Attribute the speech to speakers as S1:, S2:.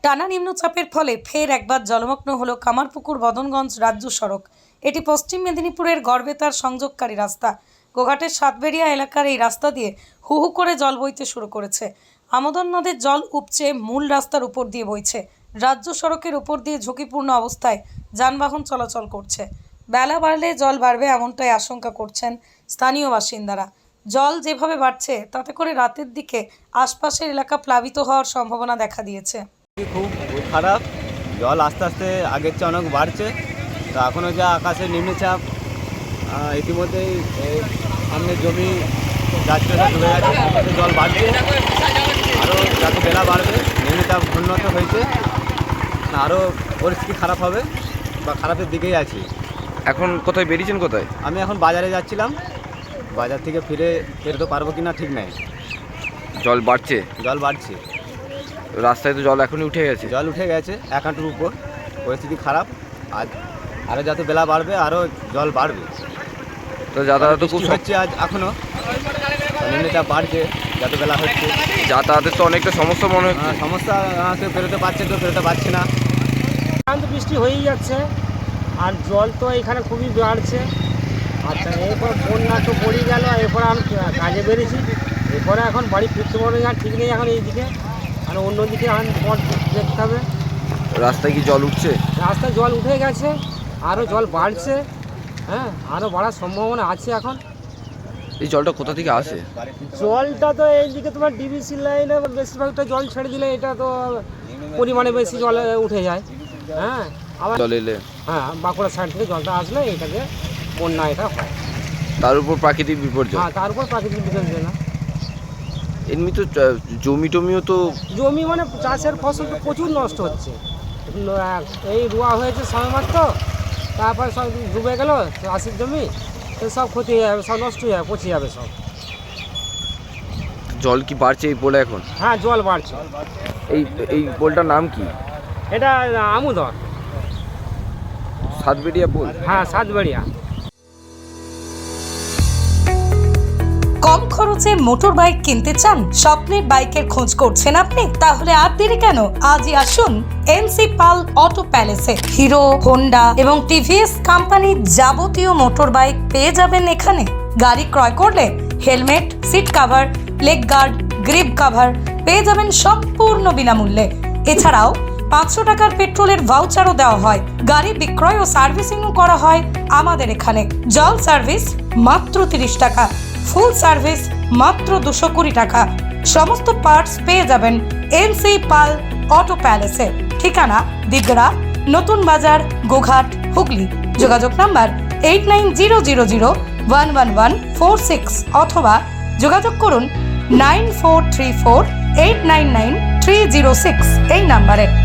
S1: টানা নিম্নচাপের ফলে ফের একবার জলমগ্ন হলো কামারপুকুর বদনগঞ্জ রাজ্য সড়ক। এটি পশ্চিম মেদিনীপুরের গড়বেতার সংযোগকারী রাস্তা। গোঘাটের সাতবেড়িয়া এলাকার এই রাস্তা দিয়ে হু হু করে জল বইতে শুরু করেছে। আমোদন নদের জল উপচে মূল রাস্তার উপর দিয়ে বইছে। রাজ্য সড়কের উপর দিয়ে ঝুঁকিপূর্ণ অবস্থায় যানবাহন চলাচল করছে। বেলা বাড়লে জল বাড়বে এমনটাই আশঙ্কা করছেন স্থানীয় বাসিন্দারা। জল যেভাবে বাড়ছে তাতে করে রাতের দিকে আশপাশের এলাকা প্লাবিত হওয়ার সম্ভাবনা দেখা দিয়েছে।
S2: খুব খারাপ, জল আস্তে আস্তে আগের চেয়ে অনেক বাড়ছে। তো এখনও যা আকাশের নিম্নচাপ ইতিমধ্যেই সামনে জমি যাচ্ছে ডুবে গেছে, জল বাড়ছে, আরও যত বেলা বাড়বে নিম্নচাপ উন্নত হয়েছে, আরও পরিস্থিতি খারাপ হবে বা খারাপের দিকেই আছি।
S3: এখন কোথায় বেরিয়েছেন? কোথায়?
S2: আমি এখন বাজারে যাচ্ছিলাম, বাজার থেকে ফিরতে পারবো কি না ঠিক নাই।
S3: জল বাড়ছে?
S2: জল বাড়ছে,
S3: রাস্তায় তো জল এখনই উঠে গেছে।
S2: জল উঠে গেছে এক হাঁটুর উপর, পরিস্থিতি খারাপ। আরও যত বেলা বাড়বে আরও জল বাড়বে।
S3: তো যাতায়াত খুব
S2: হচ্ছে আজ এখনও নিম্নচাপ বাড়ছে, যত বেলা হচ্ছে
S3: যাতায়াতের তো অনেকটা সমস্যা মনে হচ্ছে।
S2: সমস্যা, কেউ বেরোতে পারছে, কেউ বেরোতে পারছে না।
S4: বৃষ্টি হয়েই যাচ্ছে আর জল তো এখানে খুবই বাড়ছে। আচ্ছা, এরপর বন্যা তো পড়েই গেল, এরপর আমি কাজে বেরিয়েছি, এরপরে এখন বাড়ি ফিরতে পারবে না, ঠিক নেই এখন এইদিকে, আর অন্যদিকে এখন পথ দেখতে হবে।
S3: রাস্তায় কি জল উঠছে?
S4: রাস্তায় জল উঠে গেছে, আরও জল বাড়ছে, হ্যাঁ, আরও বাড়ার সম্ভাবনা আছে। এখন
S3: এই জলটা কোথা থেকে আসে?
S4: জলটা তো এইদিকে তোমার ডিবিসি লাইনে বেশিরভাগটা জল ছেড়ে দিলে এটা তো পরিমাণে বেশি জল উঠে যায়। হ্যাঁ, আবার
S3: জল এলে
S4: হ্যাঁ, বাঁকুড়া সাইড থেকে জলটা আসলে এটাকে বন্যা এটা হয়।
S3: তার উপর প্রাকৃতিক বিপর্যয়।
S4: হ্যাঁ, তার উপর প্রাকৃতিক বিপর্যয় না।
S3: এমনি তো জমি টমিও তো,
S4: জমি মানে চাষের ফসল তো প্রচুর নষ্ট হচ্ছে। এই রোয়া হয়েছে সময়মাত্র, তারপরে সব ডুবে গেল চাষের জমি, তো সব ক্ষতি হয়ে যাবে, সব নষ্ট হয়ে যাবে, পচে যাবে সব।
S3: জল কি বাড়ছে এই পোলে এখন?
S4: হ্যাঁ, জল বাড়ছে।
S3: এই পোলটার নাম কি?
S4: এটা আমুদর,
S3: সাতবেড়িয়া পোল।
S4: হ্যাঁ, সাতবেড়িয়া।
S1: কম খরচে মোটর বাইক কিনতে চান? স্বপ্নের বাইকের খোঁজ করছেন আপনি? তাহলে আর দেরি কেন, আজই আসুন এনসি পাল অটো প্যালেসে। হিরো, হোন্ডা এবং টিভিএস কোম্পানির যাবতীয় মোটর বাইক পেয়ে যাবেন এখানে। গাড়ি ক্রয় করলে helmet, seat cover, leg guard, grip cover পেয়ে যাবেন সম্পূর্ণ বিনামূল্যে। এছাড়াও 500 টাকার পেট্রোলের ভাউচারও দেওয়া হয়। গাড়ি বিক্রয় ও সার্ভিসিংও করা হয় আমাদের এখানে। জল সার্ভিস মাত্র 30 টাকা, ফুল সার্ভিস মাত্র 220 টাকা। সমস্ত পার্টস পেয়ে যাবেন এনসি পাল অটো প্যালেসে। ঠিকানা দিগড়া, নতুন বাজার, গোঘাট, হুগলি। যোগাযোগ নাম্বার 8900011146 অথবা যোগাযোগ করুন 9434899306 এই নাম্বারে।